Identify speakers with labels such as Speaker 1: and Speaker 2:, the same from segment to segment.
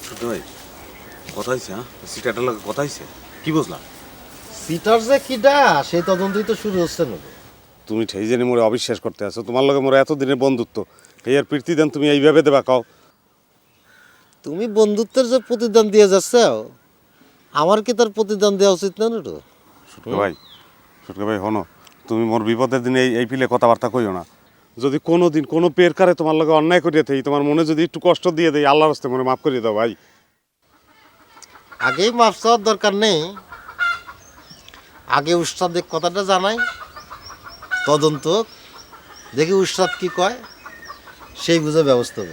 Speaker 1: ছোট ভাই কথা হয়েছে, হ্যাঁ সিটারটার লোক কথা হয়েছে, কি বুঝলাম?
Speaker 2: সিটার যে কিডা সেই তদন্তই তো শুরু হচ্ছে না।
Speaker 1: তুমি ঠেই জেনে মোরে অবিশ্বাস করতে আছো, তোমার লগে মোরে এতদিনের বন্ধুত্ব, এই আর প্রীতি দেন তুমি এইভাবে দেবা কাও?
Speaker 2: তুমি বন্ধুত্বের যে প্রতিদান দিয়ে যাচ্ছ, আমার কি তার প্রতিদান দেওয়া উচিত না তো?
Speaker 1: ছোটকে ভাই হনো, তুমি মোর বিপদের দিনে এই পিলে কথাবার্তা কইও না। যদি কোনো দিন কোনো পের কারে তোমার লগে অন্যায় করিয়া থাকি, তোমার মনে যদি একটু কষ্ট দিয়ে দেয়, আল্লাহর রাস্তায় মনে মাফ করিয়ে দাও ভাই।
Speaker 2: আগেই মাফ চাওয়ার দরকার নেই, আগে উস্তাদের কথাটা জানাই, তদন্ত দেখি উস্তাদ কি কয়, সেই বুঝে ব্যবস্থা হবে।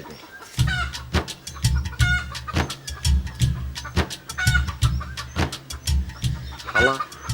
Speaker 3: শালা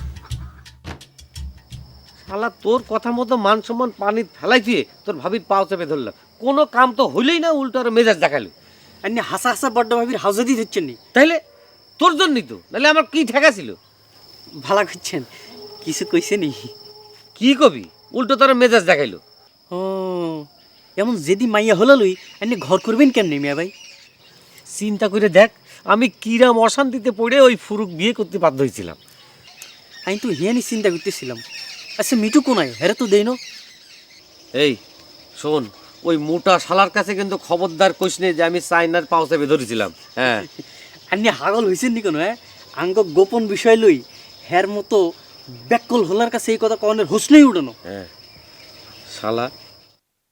Speaker 3: শালা তোর কথা মতো মান সম্মান পানি ফেলাই দিয়ে তোর ভাবির পাও চেপে ধরলাম, কোনো কাম তো হইলেই না, উল্টো আর মেজাজ দেখালো।
Speaker 4: আপনি হাসা হাসা বড্ড ভাবির হাউজে দিয়ে দিচ্ছেন নি?
Speaker 3: তাইলে তোর জন্যই তো, নাহলে আমার কি ঠেকা ছিল?
Speaker 4: ভালা করছেন, কিছু কইছে নি?
Speaker 3: কি কবি, উল্টো তোর মেজাজ দেখাইলো।
Speaker 4: ও এমন যেদি মাইয়া হলো লই আপনি ঘর করবেন কেমনি মিয়া ভাই?
Speaker 3: চিন্তা করে দেখ, আমি কিরাম অশান্তিতে পড়ে ওই ফুরুক বিয়ে করতে বাধ্য হয়েছিলাম।
Speaker 4: আমি তো হিয়ানি চিন্তা করতেছিলাম, আচ্ছা মিটু কোনায় হেরে তো দেই না?
Speaker 3: এই শোন, ওই মোটা শালার কাছে কিন্তু খবরদার কইস নে যে আমি চাইনার পাও চেপে ধরেছিলাম। হ্যাঁ
Speaker 4: আপনি হাগল হয়েছেন নি কোনো? হ্যাঁ আঙ্গ গোপন বিষয় লই হের মতো ব্যাকল হলার কাছে এই কথা কনের হোসলেই উঠানো।
Speaker 3: হ্যাঁ শালা